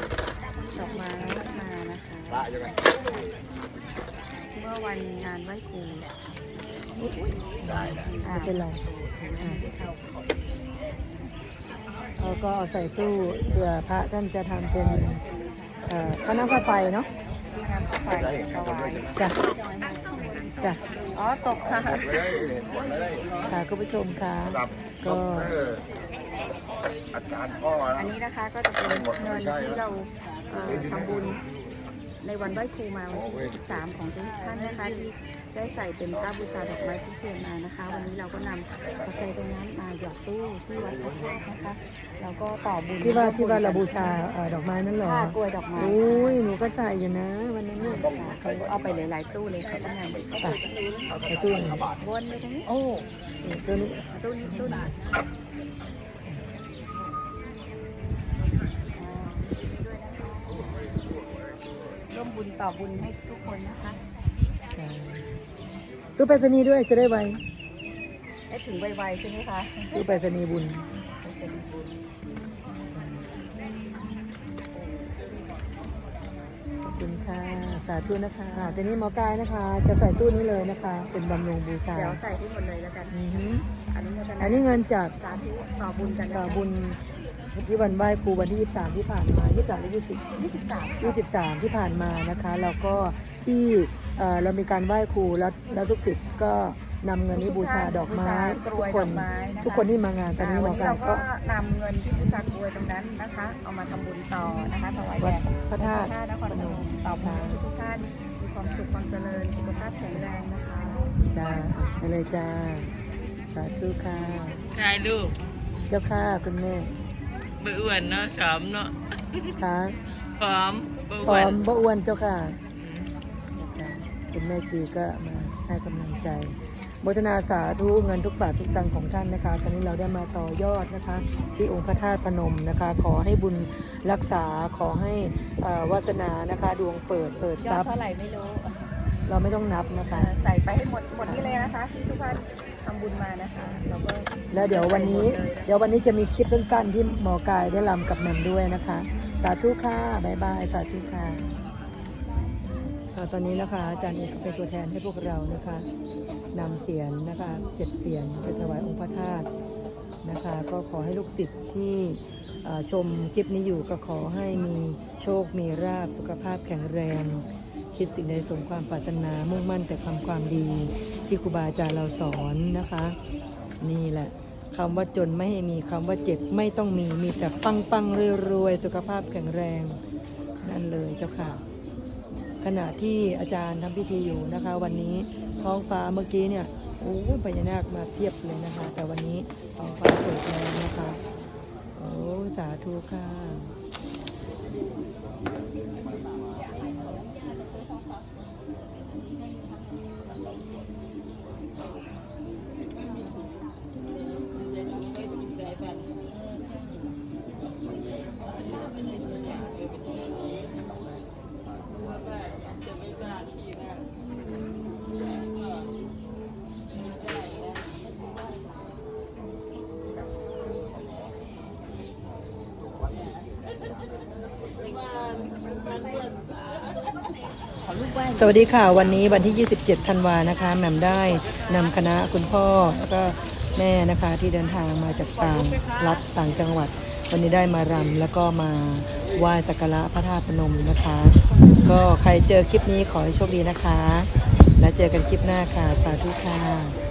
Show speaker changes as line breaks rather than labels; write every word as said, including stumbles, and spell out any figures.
ดอกไม้มานะคะเมื่อวันงานไหว้ครู
ได้ได้
ไม่เป็นไรเราก็เอาใส่ตู้เผื่อพระท่านจะทำเป็นพระน้ำพระไฟเนาะ
น้ำพระไฟถวาย
จ้ะจ้ะ
อ๋อตกค่ะ
ค่ะคุณผู้ชมค่ะก็
อาจารย์พ่อ
อันนี้นะคะก็จะเป็นเงินที่เราทำบุญในวันไหว้ครูมาวันที่สิบสามของทุกท่านนะคะที่ได้ใส่เป็นค่าบูชาดอกไม้ผู้เทียนมานะคะวันนี้เราก็นำปัจจัยตรงนั้นมาหยอดตู้ที่วัดพระธาตุนะคะแล้วก็ต่อบุญ
ที่ว่าที่ว่าเราบูชาดอกไม้นั่นหรอก
ล้วยดอกไม้
โอ้ยหนูก็ใส่อยู่นะวันนั้นเนี่ย
เขาเอาไปหลายๆตู้เลยเขาทำงาน
ไปไปตู้ไหน
วนไปตรงนี้
โอ้ตู้นี้
ตู้นี้ตู้นี้ร่วมบุญต่อบุญให้ทุกคนนะคะ
ตู้ไปรษณีย์ด้วยจะได้ไว
ได้ถึงไวๆใช่ไหมคะ
ตู้ไปรษณีย์บุญขอบคุณค่ะสาธุนะคะทีนี้หมอกายนะคะจะใส่ตู้นี้เลยนะคะเป็นบำรุงบูชา
เดี๋ยวใส่ที่หมดเลยแล้วกัน
อันนี้อันนี้เงินจาก
สาธุต่อบุญกัน
ต่อบุญที่วันไหว้ครูวันที่ยี่สิบสามที่ผ่านมายี่สิบสามหรือยี่สิบ
ยี่สิบสาม
ยี่สิบสามที่ผ่านมานะคะแล้วก็ที่เรามีการไหว้ครูแล้วแล้วทุกศิษย์ก็นำเงินนี้บูชาดอกไม้ทุกคนทุกคนที่มางานตอนนี้หมอการ
ก็นำเงินที่บูชากรวยตรงนั้นนะคะเอามาทำบุญต่อนะคะถวายแด่
พระธาตุ
นครพนมต่อบุญทุกท่านมีความสุขความเจริญสุขภาพแข็งแรงนะคะ
จ้าไปเลยจ้าสาธุค่ะ
ใช่ลูก
เจ้าค่ะคุณแม่
บ่อ้วนเนาะสามเนาะ
ค่ะ
พร้อม
พร้อมบ่อ้วนเจ้าค่ะคุณแม่ชีก็มาให้กำลังใจโมทนาสาธุเงินทุกบาททุกตังค์ของท่านนะคะตอนนี้เราได้มาต่อยอดนะคะที่องค์พระธาตุพนมนะคะขอให้บุญรักษาขอให้วาสนานะคะดวงเปิดเปิดทรัพย์
เท่าไหร่ไม่รู้
เราไม่ต้องนับนะคะ
ใส่ไปให้หมดหมดนี่เลยนะคะที่ทุกท่านทำบุญมานะคะเราก็
แล้วเดี๋ยววันนี้เดี๋ยววันนี้จะมีคลิปสั้นๆที่หมอกายได้รำกับแหม่มด้วยนะคะสาธุค่ะบ๊ายบายสาธุค่ะตอนนี้นะคะอาจารย์เอกเป็นตัวแทนให้พวกเรานะคะนำเสียนนะคะเจ็ดเสียนไปถวายองค์พระธาตุนะคะก็ขอให้ลูกศิษย์ที่ชมคลิปนี้อยู่ก็ขอให้มีโชคมีราภสุขภาพแข็งแรงคิดสิ่งใดสมความปรารถนามุ่งมั่นแต่ทำความดีที่ครูบาอาจารย์เราสอนนะคะนี่แหละคำว่าจนไม่ให้มีคำว่าเจ็บไม่ต้องมีมีแต่ปังปังรวยๆสุขภาพแข็งแรงนั่นเลยเจ้าค่ะขณะที่อาจารย์ทำพิธีอยู่นะคะวันนี้ท้องฟ้าเมื่อกี้เนี่ยโอ้พญานาคมาเทียบเลยนะคะแต่วันนี้ท้องฟ้าเปิดแล้วนะคะโอ้สาธุค่ะสวัสดีค่ะวันนี้วันที่ยี่สิบเจ็ดธันวานะคะแหม่มได้นำคณะคุณพ่อแล้วก็แม่นะคะที่เดินทางมาจากต่างรัฐต่างจังหวัดวันนี้ได้มารำแล้วก็มาไหว้สักการะพระธาตุพนมนะคะก็ใครเจอคลิปนี้ขอให้โชคดีนะคะแล้วเจอกันคลิปหน้าค่ะสาธุค่ะ